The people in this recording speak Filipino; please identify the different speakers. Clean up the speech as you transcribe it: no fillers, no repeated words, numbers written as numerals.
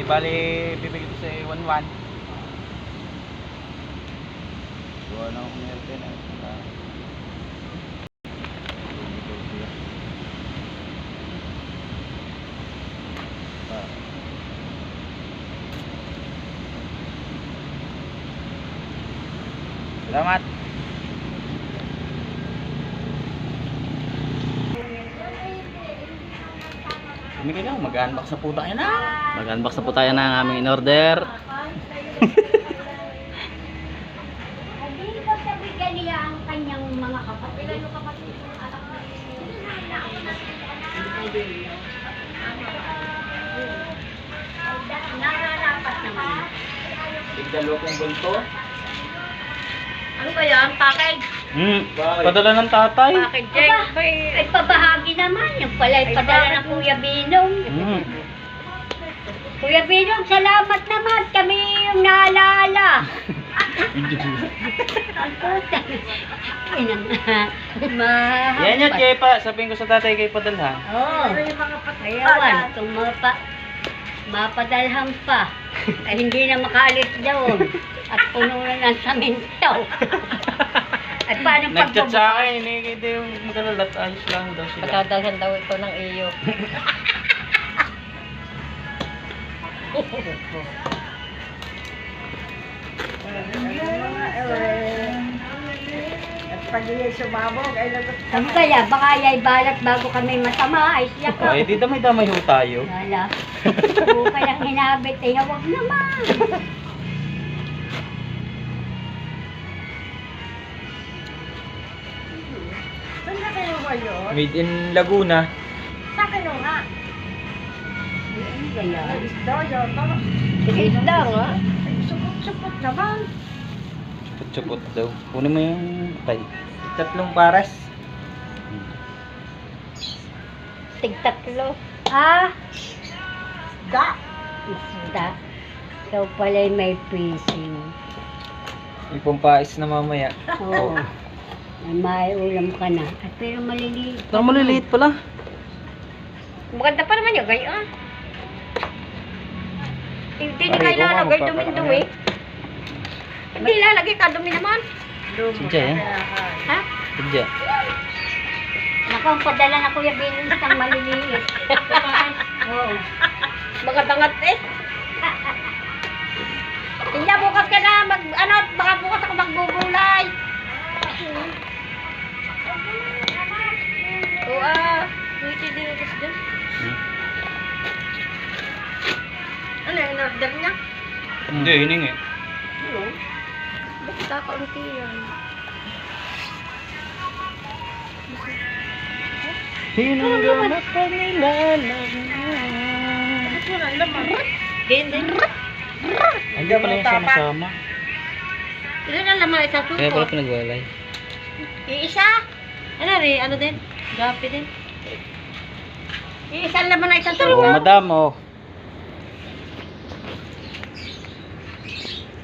Speaker 1: bali bibigay ko sa 1-1. Gawa na akong meron na. Salamat. Hindi lang, mag-unbox na po tayo na. Mag-unbox na po tayo ng aming in-order.
Speaker 2: Hindi ko sabihin niya ang kanyang mga kapatid. Ilan yung kapatid? Nararapat naman.
Speaker 1: Tigdalo kong bulto.
Speaker 3: Ano ba yan? Package?
Speaker 1: Padala ng tatay.
Speaker 3: Package, Jake.
Speaker 2: Aba, ay pabahagi naman. Yung pala ay padala ng Kuya Binong. Kuya Binong, salamat naman. Kami yung naalala. Ang puta.
Speaker 1: Yan yun, kay pa. Sabihin ko sa tatay kay padalhan.
Speaker 2: Oo. Ayawan, kung mapadalhan pa, ay hindi na makaalis doon. At puno na ng saminto. At paano
Speaker 1: Nag-chat sa akin, hindi yung magalalat. Ayos lang daw sila.
Speaker 3: Patadalhan daw ito ng iyo.
Speaker 2: Ano kaya? Baka yay balat bago kami masama. Ay siya ka.
Speaker 1: Ay, di damay-damay ho tayo.
Speaker 2: Wala. Huwag kayang hinabit. Eh, huwag naman.
Speaker 3: Saan na kayo ba yun?
Speaker 1: Made in Laguna.
Speaker 3: Sa kayo nga.
Speaker 2: Ano kaya?
Speaker 3: Isda yun.
Speaker 2: Isda nga.
Speaker 3: Supot-supot naman.
Speaker 1: Chupot daw. Kunin mo yung tay. Tatlong pares.
Speaker 2: Tigtatlo. Ah,
Speaker 3: Da.
Speaker 2: isda. Ikaw pala'y may fishing.
Speaker 1: May pampais na mamaya.
Speaker 2: Oo. May ulam ka na. At pero maliliit.
Speaker 1: Pero maliliit pala.
Speaker 3: Maganda pa naman yung gayon. Hindi na
Speaker 1: Pare,
Speaker 3: kayo
Speaker 1: kung
Speaker 3: lalagay
Speaker 1: ano,
Speaker 3: dumi-dumi. Hindi lalagay ka dumi naman.
Speaker 1: Sidya yan.
Speaker 3: Ha?
Speaker 1: Sidya.
Speaker 2: Naku, ang padala na Kuya Binong isang maliliit. Oo.
Speaker 3: Magadangat eh. Hindi bukas ka na baka bukas ako magbubulay. Oo wait din kasi dyan. Ano yung order niya?
Speaker 1: Hindi, hiningi.
Speaker 3: Ano? Bakit kakaunti yan?
Speaker 1: Hinangganap pa nilalang.
Speaker 3: Bakit wala laman? Hindi.
Speaker 1: Andiyan pala yung sama-sama.
Speaker 3: Ilan ang laman isang
Speaker 1: Kaya pala
Speaker 3: suko?
Speaker 1: pinagwalay.
Speaker 3: Iisa? Ano rin? Ano din? Gapi din. Iisa ang laman na isang
Speaker 1: Oh,
Speaker 3: suko?
Speaker 1: madam, oh.